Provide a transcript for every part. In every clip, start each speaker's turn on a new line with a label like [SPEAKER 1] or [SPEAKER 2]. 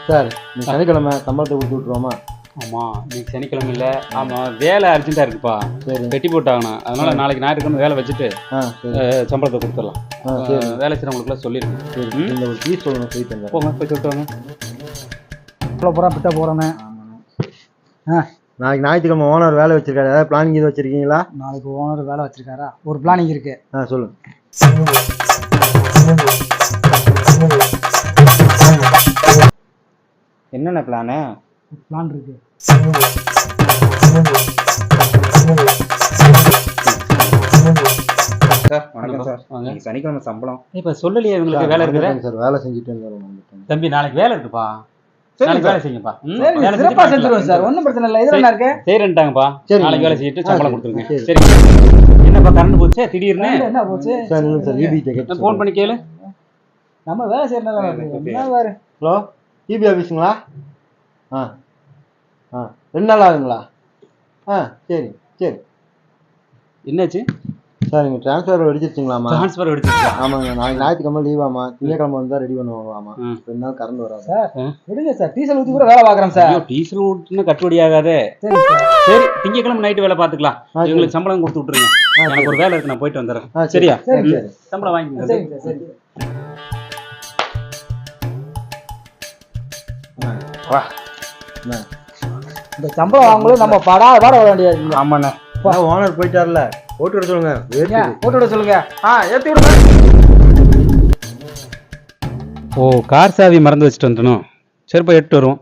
[SPEAKER 1] Sir நீ சனிக்கிழமை சம்பளத்தை கொடுத்து விட்ருவோமா?
[SPEAKER 2] ஆமாம் இன்னைக்கு சனிக்கிழமை இல்லை. ஆமாம் வேலை அர்ஜென்ட்டாக இருக்குப்பா.
[SPEAKER 1] சரி
[SPEAKER 2] பெட்டி போட்டாங்கண்ணா. அதனால நாளைக்கு ஞாயிற்றுக்கிழமை வேலை வச்சுட்டு சம்பளத்தை கொடுத்துடலாம். வேலை செய்கிறவங்களுக்குலாம் சொல்லியிருக்கேன்.
[SPEAKER 1] சரி இந்த ஒரு ஃபீஸ் சொல்லணும் போயிட்டு
[SPEAKER 2] போங்க போய் சொல்லிட்டு வாங்க.
[SPEAKER 3] இவ்வளோ பூரா பிட்ட போகிறோன்னு.
[SPEAKER 1] நாளைக்கு ஞாயிற்றுக்கிழமை ஓனர் வேலை வச்சிருக்காரு. ஏதாவது பிளானிங் இது வச்சிருக்கீங்களா?
[SPEAKER 3] நாளைக்கு ஓனர் வேலை வச்சிருக்காரா? ஒரு பிளானிங் இருக்கு.
[SPEAKER 1] சொல்லுங்க.
[SPEAKER 2] என்னென்ன பிளானு?
[SPEAKER 3] பிளான் இருக்கு.
[SPEAKER 2] சார் வணக்கம் சார். வாங்க. சனிக்கிழமை சம்பளம் இப்போ சொல்லலையே இவங்களுக்கு வேலை இருக்குது
[SPEAKER 1] சார். வேலை செஞ்சுட்டு வந்துடுறோம்
[SPEAKER 2] தம்பி. நாளைக்கு வேலை இருக்குப்பா. நாளைக்கு வேலை செய்யுங்கப்பா.
[SPEAKER 3] சிறப்பாக செஞ்சுருவோம் சார். ஒன்றும் பிரச்சனை இல்லை. இதெல்லாம் இருக்கு.
[SPEAKER 2] சரின்ட்டாங்கப்பா. நாளைக்கு வேலை செய்யிட்டு சம்பளம் கொடுத்துருங்க. சரி என்னப்பா கரண்ட் போச்சு திடீர்னு?
[SPEAKER 3] என்ன போச்சு
[SPEAKER 1] சார்? இல்லை சார் ஈபி கேட்டு
[SPEAKER 2] ஃபோன் பண்ணி கேளு.
[SPEAKER 3] நம்ம வேலை செய்யறதுனால.
[SPEAKER 1] Hello EB ஆஃபீஸுங்களா? 2 நாள் ஆகுங்களா? சரி சரி.
[SPEAKER 2] என்னாச்சு
[SPEAKER 1] சார்? நீங்கள் ட்ரான்ஸ்ஃபர் வெடிச்சிருச்சிங்களாமா?
[SPEAKER 2] ட்ரான்ஸ்ஃபர் வெடிச்சிருச்சா?
[SPEAKER 1] ஆமாங்க. நாளைக்கு ஞாயிற்றுக்கிழமை லீவாமா. திங்கக்கிழமை வந்தால் ரெடி பண்ணுவாங்களாமா. 2 நாள் கரண்ட் வராது
[SPEAKER 3] சார். விடுங்க சார். டீசல் ஊற்றி கூட வேலை பார்க்குறோம் சார்.
[SPEAKER 2] டீசல் ஊற்றினா கட்டுப்படி ஆகாதே. சரி திங்கக்கிழமை நைட்டு வேலை பார்த்துக்கலாம். எங்களுக்கு சம்பளம் கொடுத்து விட்டுருங்க. எனக்கு ஒரு வேலை இருக்கு, நான் போயிட்டு வந்துடுறேன். சரியா? சம்பளம் வாங்கிக்கோங்க.
[SPEAKER 3] சரிங்க சார்.
[SPEAKER 2] வா
[SPEAKER 3] இந்த சம்பளம் வாங்கும்போது நம்ம பாட வர வேண்டியது.
[SPEAKER 2] ஆமாண்ணே.
[SPEAKER 1] ஓனர் போயிட்டார்ல, போட்டு விட சொல்லுங்க.
[SPEAKER 3] போட்டு விட சொல்லுங்க. ஏற்றி விடுங்க.
[SPEAKER 2] ஓ கார் சாவி மறந்து வச்சுட்டு வந்துடணும். சரிப்பா எட்டு வருவோம்.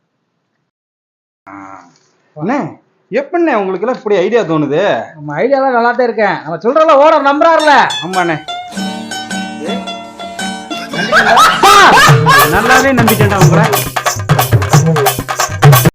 [SPEAKER 2] அண்ணே எப்படிண்ணே உங்களுக்கு எல்லாம் இப்படி ஐடியா தோணுது?
[SPEAKER 3] நம்ம ஐடியாலாம் நல்லா தான் இருக்கேன். நம்ம சொல்றல ஓனர் நம்புறாருல.
[SPEAKER 2] ஆமாண்ணே நல்லாவே நம்பிட்டேன்டா உங்களை.